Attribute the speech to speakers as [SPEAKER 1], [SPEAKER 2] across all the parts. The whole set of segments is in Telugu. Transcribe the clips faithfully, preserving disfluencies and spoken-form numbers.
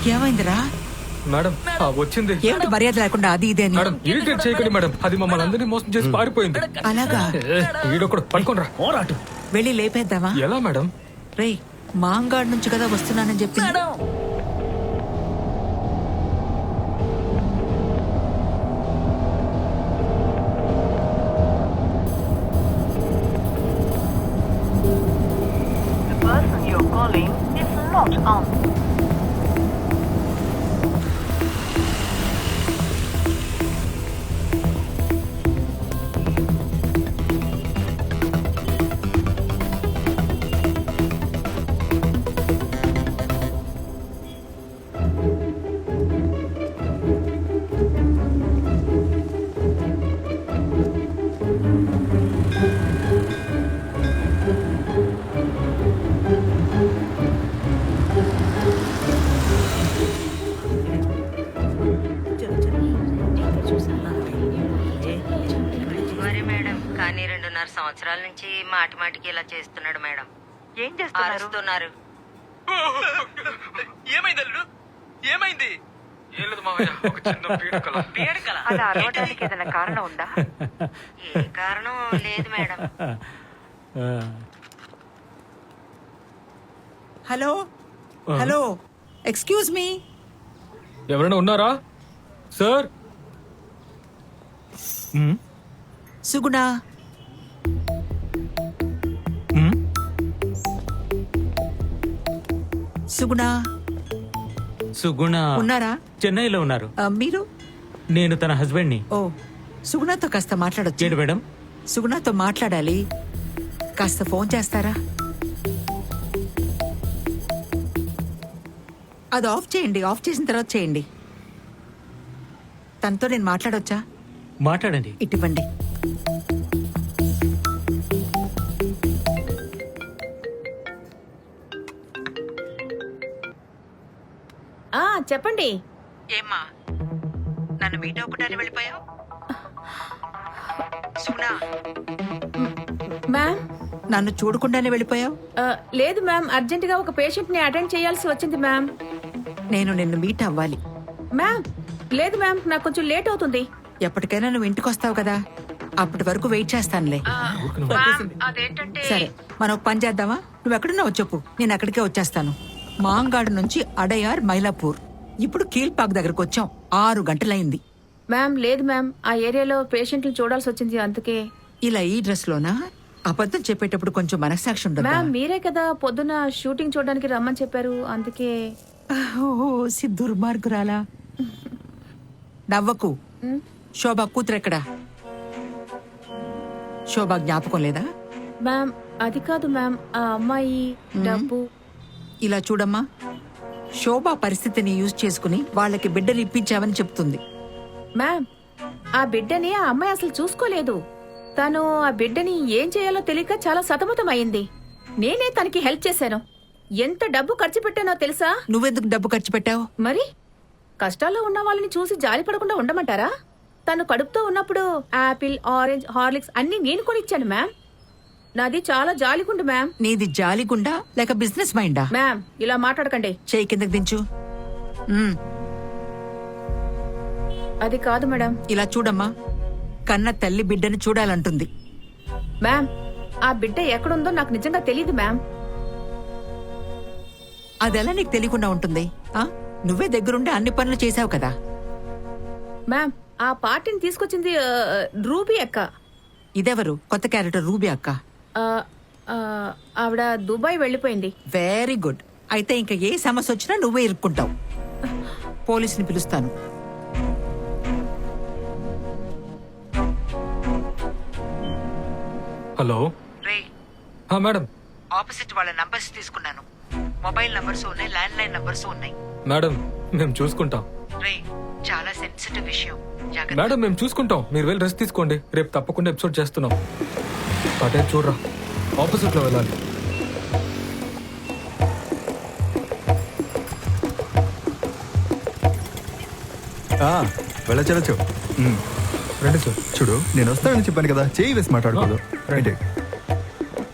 [SPEAKER 1] ఏమైందిరా?
[SPEAKER 2] మేడం వచ్చింది.
[SPEAKER 1] ఏమిటి మర్యాద లేకుండా అది ఇదే
[SPEAKER 2] మేడం ఇరిటేట్ చేయకండి మేడం, అది మమ్మల్ని అందరినీ మోసం చేసి పారిపోయింది.
[SPEAKER 1] అలాగా?
[SPEAKER 2] ఈడొకడు పడుకోనరా.
[SPEAKER 1] వెళ్ళి లేపేద్దామా?
[SPEAKER 2] ఎలా మేడం?
[SPEAKER 1] రేయ్, మాంగాడ్ నుంచి కదా వస్తున్నానని చెప్పి.
[SPEAKER 3] కానీ రెండున్నర సంవత్సరాల నుంచి మాటి మాటికి ఇలా చేస్తున్నాడు మేడం. ఏం చేస్తున్నారు?
[SPEAKER 2] ఏమైంది అల్లుడు? ఏమైంది? ఏం లేదు మావయ్య, ఒక చిన్న పీడకల.
[SPEAKER 3] పీడకల? అలా అరవడానికి ఏదైనా కారణం ఉందా? ఏ కారణం లేదు madam.
[SPEAKER 1] Hello hello, excuse me.
[SPEAKER 2] ఎవరైనా ఉన్నారా సార్?
[SPEAKER 1] సుగుణ, సుగుణ
[SPEAKER 4] సుగుణ
[SPEAKER 1] ఉన్నారా?
[SPEAKER 4] చెన్నైలో ఉన్నారు.
[SPEAKER 1] ఆ, మీరు?
[SPEAKER 4] నేను తన హస్బెండ్ ని.
[SPEAKER 1] ఓ, సుగుణతో కాస్త మాట్లాడొచ్చు.
[SPEAKER 4] ఏంటి మేడం?
[SPEAKER 1] సుగుణతో మాట్లాడాలి, కాస్త ఫోన్ చేస్తారా? అది ఆఫ్ చేయండి, ఆఫ్ చేసిన తర్వాత చేయండి. తనతో నేను మాట్లాడొచ్చా?
[SPEAKER 4] మాట్లాడండి.
[SPEAKER 1] ఇటువంటి
[SPEAKER 5] చెప్పండి.
[SPEAKER 1] ఏమ్మా, నన్ను మీట్ అవ్వకుండానే వెళ్ళిపోయావు? సుగుణా,
[SPEAKER 5] మ్యామ్
[SPEAKER 1] నన్ను చూడకుండానే వెళ్ళిపోయావు?
[SPEAKER 5] లేదు మ్యామ్, అర్జెంట్ గా ఒక పేషెంట్ ని అటెండ్ చేయాల్సి వచ్చింది మ్యామ్.
[SPEAKER 1] నేను నిన్ను మీట్ అవ్వాలి.
[SPEAKER 5] మ్యామ్ లేదు మ్యామ్, నాకు కొంచెం లేట్ అవుతుంది.
[SPEAKER 1] ఎప్పటికైనా నువ్వు ఇంటికి వస్తావు కదా, అప్పటి వరకు వెయిట్ చేస్తానులే. సరే, మనం ఒక పని చేద్దామా? నువ్వు ఎక్కడున్నావు చెప్పు, నేను అక్కడికే వచ్చేస్తాను. మాంగాడు నుంచి అడయార్, మైలాపూర్, ఇప్పుడు కీల్పాక్ దగ్గరకు వచ్చాం. ఆరు గంటలైంది.
[SPEAKER 5] మ్యామ్ లేదు మ్యామ్, ఆ ఏరియాలో పేషెంట్లు చూడాల్సి వచ్చింది, అందుకే.
[SPEAKER 1] ఇలా ఈ డ్రెస్ లోనా? అబద్ధం చెప్పేటప్పుడు కొంచెం మనస్సాక్షి ఉండదు.
[SPEAKER 5] మ్యామ్ మీరే కదా పొద్దున షూటింగ్ చూడడానికి రమ్మని చెప్పారు, అందుకే.
[SPEAKER 1] ఓ దుర్మార్గురాలా, నవ్వకు. శోభా కూతురెక్కడా? శోభా జ్ఞాపకం లేదా?
[SPEAKER 5] మ్యామ్ అది కాదు మ్యామ్, ఆ అమ్మాయి డబ్బు.
[SPEAKER 1] ఇలా చూడమ్మా, శోభా పరిస్థితిని యూజ్ చేసుకుని వాళ్ళకి బిడ్డలు ఇప్పించావని చెప్తుంది.
[SPEAKER 5] మ్యామ్ ఆ బిడ్డని ఆ అమ్మాయి అసలు చూసుకోలేదు. తను ఆ బిడ్డని ఏం చేయాలో తెలియక చాలా సతమతం అయింది. నేనే తనకి హెల్ప్ చేశాను. ఎంత డబ్బు ఖర్చు పెట్టానో తెలుసా?
[SPEAKER 1] నువ్వెందుకు డబ్బు ఖర్చు పెట్టావు?
[SPEAKER 5] మరి కష్టాల్లో ఉన్న వాళ్ళని చూసి జాలి పడకుండా ఉండమంటారా? తను కడుపుతో ఉన్నప్పుడు ఆపిల్, ఆరెంజ్, హార్లిక్స్ అన్ని నేను కొనిచ్చాను మ్యామ్. నాది చాలా జాలిగుండు మ్యామ్.
[SPEAKER 1] నీది జాలిగుండా లేక బిజినెస్ మైండా?
[SPEAKER 5] మ్యామ్ ఇలా మాట్లాడకండి.
[SPEAKER 1] చేయి కిందకి దించు.
[SPEAKER 5] అది కాదు మేడం.
[SPEAKER 1] ఇలా చూడమ్మా, కన్న తల్లి బిడ్డని చూడాలంటుంది.
[SPEAKER 5] మ్యామ్ ఆ బిడ్డ ఎక్కడుందో నాకు నిజంగా తెలియదు మ్యామ్.
[SPEAKER 1] అదెలా నీకు తెలియకుండా ఉంటుంది? ఆ నువ్వే దగ్గరుండి అన్ని పనులు చేసావు కదా.
[SPEAKER 5] మ్యామ్ ఆ పార్టీని తీసుకొచ్చింది రూబీ అక్క.
[SPEAKER 1] ఇదెవరు? కొత్త క్యారెక్టర్ రూబీ అక్క.
[SPEAKER 5] ఆవిడ దుబాయ్ వెళ్ళిపోయింది.
[SPEAKER 1] Very good. అయితే ఇంకా ఏ సమస్య వచ్చినా నువ్వే ఇరుక్కుంటావు. పోలీసుని పిలుస్తాను.
[SPEAKER 2] హలో మేడం,
[SPEAKER 1] ఆపోజిట్ వాళ్ళ నంబర్స్ తీసుకున్నాను. మొబైల్ నంబర్స్ ఉన్నాయి, ల్యాండ్ లైన్ నంబర్స్ ఉన్నాయి.
[SPEAKER 2] మేడం మేము చూసుకుంటాం.
[SPEAKER 1] రే, చాలా సెన్సిటివ్ విషయం.
[SPEAKER 2] మేడం మేము చూసుకుంటాం, మీరు వెళ్ళి రెస్ట్ తీసుకోండి. రేపు తప్పకుండా ఎపిసోడ్ చేస్తున్నాం. అటే చూడరా, ఆపోజిట్ లో వెళ్ళాలి.
[SPEAKER 6] వెళ్ళచ్చు.
[SPEAKER 2] రండి సార్.
[SPEAKER 6] చూడు, నేను వస్తానని చెప్పాను కదా, చేయి వేసి మాట్లాడుకోదు. రైట్.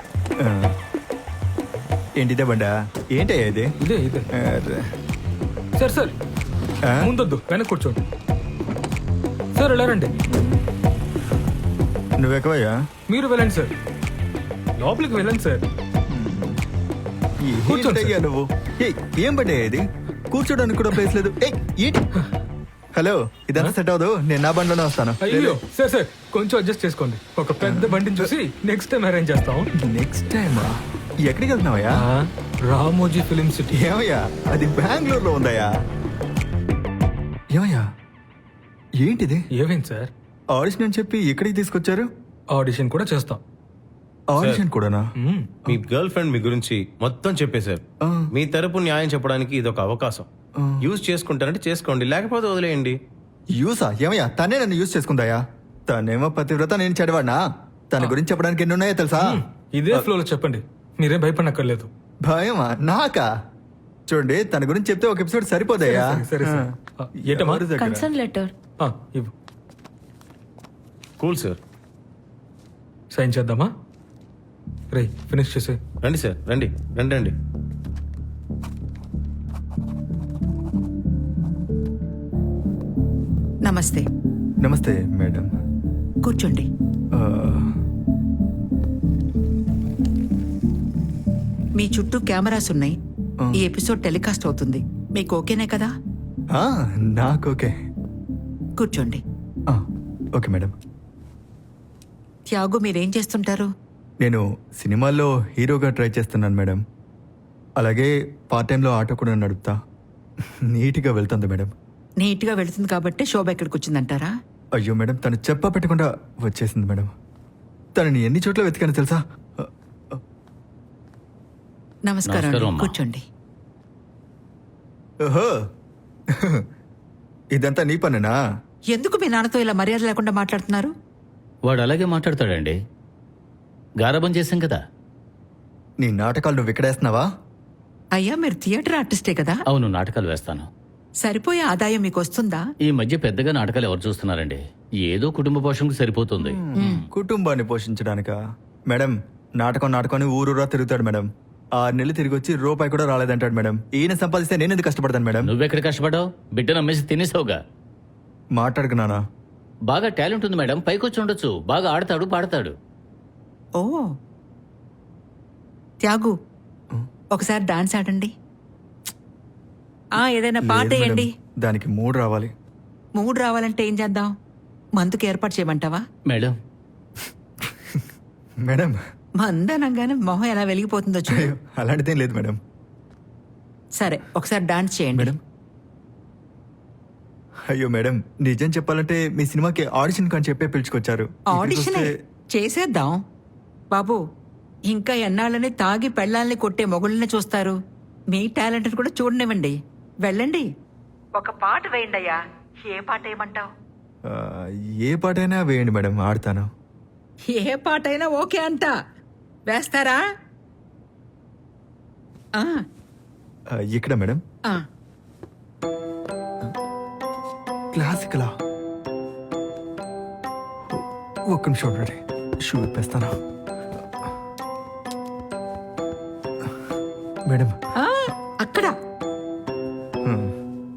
[SPEAKER 6] ఏంటిదే బండా? ఏంటయ్యా ఇది?
[SPEAKER 2] ఇదే ఇదే. సార్ సార్
[SPEAKER 6] ఆ?
[SPEAKER 2] ముందొద్దు వెనక్కి కూర్చోండి సార్ ఇలా రండి
[SPEAKER 6] నువ్వెక్కవయ్యా
[SPEAKER 2] మీరు వెళ్ళండి సార్ లోపలికి వెళ్ళండి సార్ కూర్చోండి
[SPEAKER 6] ఏంటయ్యా నువ్వు ఏయ్, ఏం పడ్డా ఇది కూర్చోడానికి కూడా ప్లేస్ లేదు ఏయ్, ఏంటి హలో ఇదంతా సెట్ అవ్వదు నేను నా బండిలోనే వస్తాను
[SPEAKER 2] అయ్యో సార్ సార్ కొంచెం అడ్జస్ట్ చేసుకోండి ఒక పెద్ద బండిని చూసి నెక్స్ట్ టైం అరేంజ్ చేస్తాం
[SPEAKER 6] నెక్స్ట్ టైం ఎక్కడికి వెళ్తున్నావయ్యా
[SPEAKER 2] ఆ, రామోజీ ఫిలిం సిటీ
[SPEAKER 6] ఏమయ్యా అది బెంగళూరులో ఉందయ్యా ఏమయ్యా ఏంటిది
[SPEAKER 2] ఏమైంది సార్
[SPEAKER 6] ఆడిషన్ అని చెప్పి ఎక్కడికి తీసుకొచ్చారు
[SPEAKER 2] ఆడిషన్ కూడా చేస్తాం
[SPEAKER 6] ఆడిషన్ కూడానా
[SPEAKER 2] మ్మ్.
[SPEAKER 7] మీ గర్ల్ ఫ్రెండ్ మీ గురించి మొత్తం చెప్పేశారు
[SPEAKER 6] ఆ.
[SPEAKER 7] మీ తరపు న్యాయం చెప్పడానికి ఇది ఒక అవకాశం యూజ్ చేసుకుంటారంటే చేసుకోండి లేకపోతే వదిలేయండి
[SPEAKER 6] యూసా ఏమయ్యా తనే నన్ను యూస్ చేసుకుందాయా తనేమో పతివ్రత నేను చెడవాడినా తన గురించి చెప్పడానికి ఎన్ని ఉన్నాయో తెలుసా
[SPEAKER 2] ఇదే ఫ్లోలో చెప్పండి మీరేం భయపడనక్కర్లేదు
[SPEAKER 6] భయమా నాకా చూడండి తన గురించి చెప్తే ఒక ఎపిసోడ్ సరిపోదయ్యా
[SPEAKER 2] సరే, సరే, సరే. ఆ, ఏంటమ్మా?
[SPEAKER 6] ఎవరి దగ్గర?
[SPEAKER 5] కన్సర్న్ లెటర్
[SPEAKER 2] ఆ, ఇవ్వు
[SPEAKER 7] కూల్ సార్
[SPEAKER 2] సైన్ చేద్దామా రే ఫినిష్ చేసే
[SPEAKER 7] రండి సార్ రండి రండి రండి
[SPEAKER 1] నమస్తే
[SPEAKER 6] నమస్తే మేడం
[SPEAKER 1] కూర్చోండి
[SPEAKER 6] ఆ,
[SPEAKER 1] మీ చుట్టూ కెమెరాస్ ఉన్నాయి
[SPEAKER 6] ఆ.
[SPEAKER 1] ఈ ఎపిసోడ్ టెలికాస్ట్ అవుతుంది మీకు ఓకేనే కదా
[SPEAKER 6] ఆ, నాకు ఓకే
[SPEAKER 1] కూర్చోండి
[SPEAKER 6] ఆ, ఓకే మేడం
[SPEAKER 1] త్యాగు మీరేం చేస్తుంటారు
[SPEAKER 6] నేను సినిమాల్లో హీరోగా ట్రై చేస్తున్నాను మేడం అలాగే పార్ట్ టైంలో ఆటో కూడా నడుపుతా నీట్గా వెళ్తుంది మేడం
[SPEAKER 1] నీట్గా వెళుతుంది కాబట్టి శోభ ఎక్కడికి వచ్చిందంటారా
[SPEAKER 6] అయ్యో మేడం తను చెప్ప పెట్టకుండా వచ్చేసింది మేడం తనని ఎన్ని చోట్ల వెతికాను తెలుసా
[SPEAKER 1] నమస్కారం
[SPEAKER 8] నమస్కారం
[SPEAKER 1] అండి.
[SPEAKER 8] అమ్మా.
[SPEAKER 1] కూర్చోండి
[SPEAKER 6] ఓహో ఇదంతా నీ పనేనా
[SPEAKER 1] ఎందుకు మీ నాన్నతో ఇలా మర్యాద లేకుండా మాట్లాడుతున్నారు
[SPEAKER 8] వాడు అలాగే మాట్లాడతాడండి గారాబం చేశాం కదా.
[SPEAKER 6] నీ నాటకాలు నువ్వు విక్కడేస్తున్నావా
[SPEAKER 1] అయ్యా మీరు థియేటర్ ఆర్టిస్టే కదా
[SPEAKER 8] అవును, నాటకాలు వేస్తాను.
[SPEAKER 1] సరిపోయే ఆదాయం మీకు వస్తుందా
[SPEAKER 8] ఈ మధ్య పెద్దగా నాటకాలు ఎవరు చూస్తున్నారండి? ఏదో కుటుంబ పోషణకు సరిపోతుంది.
[SPEAKER 6] కుటుంబాన్ని పోషించడానిక మేడం నాటకం నాటకాన్ని ఊరూరా తిరుగుతాడు మేడం ఆరు నెలలు తిరిగి వచ్చి రూపాయి కూడా రాలేదంటాడు మేడం ఈయన సంపాదిస్తే నేను ఎందుకు కష్టపడతాను మేడం
[SPEAKER 8] నువ్వెక్కడ కష్టపడ్డావు? బిడ్డను అమ్మేసి తినేసావుగా.
[SPEAKER 6] మాట్లాడుకున్నానా
[SPEAKER 8] బాగా టాలెంట్ ఉంది మేడం, పైకొచ్చి ఉండొచ్చు. బాగా ఆడతాడు, పాడతాడు.
[SPEAKER 1] ఓ త్యాగు ఒకసారి డాన్స్ ఆడండి ఆ ఏదైనా పాట
[SPEAKER 6] లేదు మేడం,
[SPEAKER 1] వేయండి
[SPEAKER 6] దానికి మూడు రావాలి
[SPEAKER 1] మూడు రావాలంటే ఏం చేద్దాం మందుకు ఏర్పాటు చేయమంటావా
[SPEAKER 8] మేడం
[SPEAKER 6] మేడం
[SPEAKER 1] మందనంగానే మొహం ఎలా వెలిగిపోతుందో చూడు
[SPEAKER 6] అయ్యో, అలాంటిదేం లేదు మేడం
[SPEAKER 1] సరే ఒకసారి డాన్స్ చేయండి
[SPEAKER 6] మేడం అయ్యో మేడం నిజం చెప్పాలంటే మీ సినిమాకి ఆడిషన్ కానీ చెప్పే పిలుచుకొచ్చారు ఇక్కడికి
[SPEAKER 1] ఆడిషన్
[SPEAKER 6] వస్తే-
[SPEAKER 1] చేసేద్దాం బాబు ఇంకా ఎన్నాళ్ళని తాగి పెళ్ళాలని కొట్టే మొగుళ్ళని చూస్తారు మీ టాలెంట్ కూడా చూడనివ్వండి వెళ్ళండి ఒక పాట వేయండి అయ్యా ఏ పాట వేయమంటావు
[SPEAKER 6] ఆ, ఏ పాటైనా వేయండి మేడం ఆడతాను
[SPEAKER 1] ఏ పాట అయినా ఓకే అంట వేస్తారా ఆ,
[SPEAKER 6] ఆ, ఇక్కడ మేడం
[SPEAKER 1] ఆ.
[SPEAKER 6] క్లాసికలా ఒక్క నిమిషం ఉండండి షూ ఇప్పేస్తాను మేడం
[SPEAKER 1] ఆ, అక్కడ
[SPEAKER 6] హ్మ్.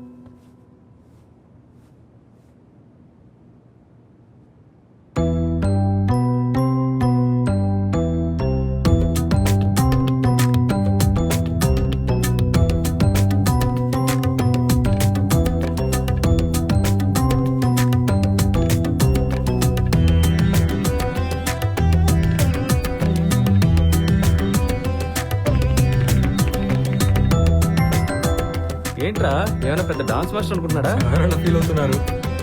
[SPEAKER 9] ఏంట్రా ఏమైనా పెద్ద డాన్స్ మాస్టర్ అనుకుంటున్నాడా?
[SPEAKER 2] ఎవరైనా ఫీల్ అవుతున్నారు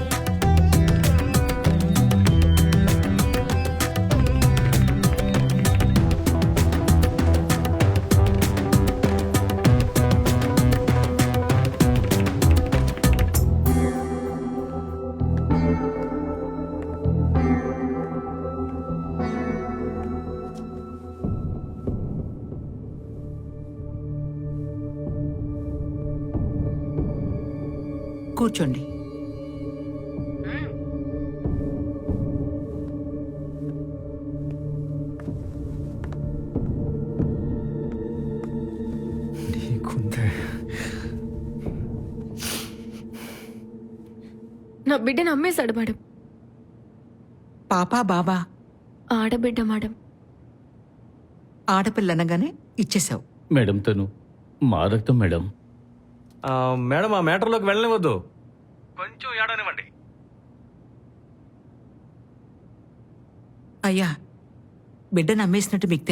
[SPEAKER 1] కూర్చోండి
[SPEAKER 6] నీకుందే
[SPEAKER 10] నా బిడ్డను అమ్మేశాడు మేడం.
[SPEAKER 1] పాపా బాబా
[SPEAKER 10] ఆడబిడ్డ మేడం.
[SPEAKER 1] ఆడపిల్ల అనగానే ఇచ్చేసావు.
[SPEAKER 8] మేడం తను మా రక్తం మేడం.
[SPEAKER 9] ఆ, మేడం ఆ మ్యాటర్లోకి వెళ్ళనివద్దు. కొంచెం ఏడనివ్వండి.
[SPEAKER 1] అయ్యా బిడ్డను అమ్మేసినట్టు మీకు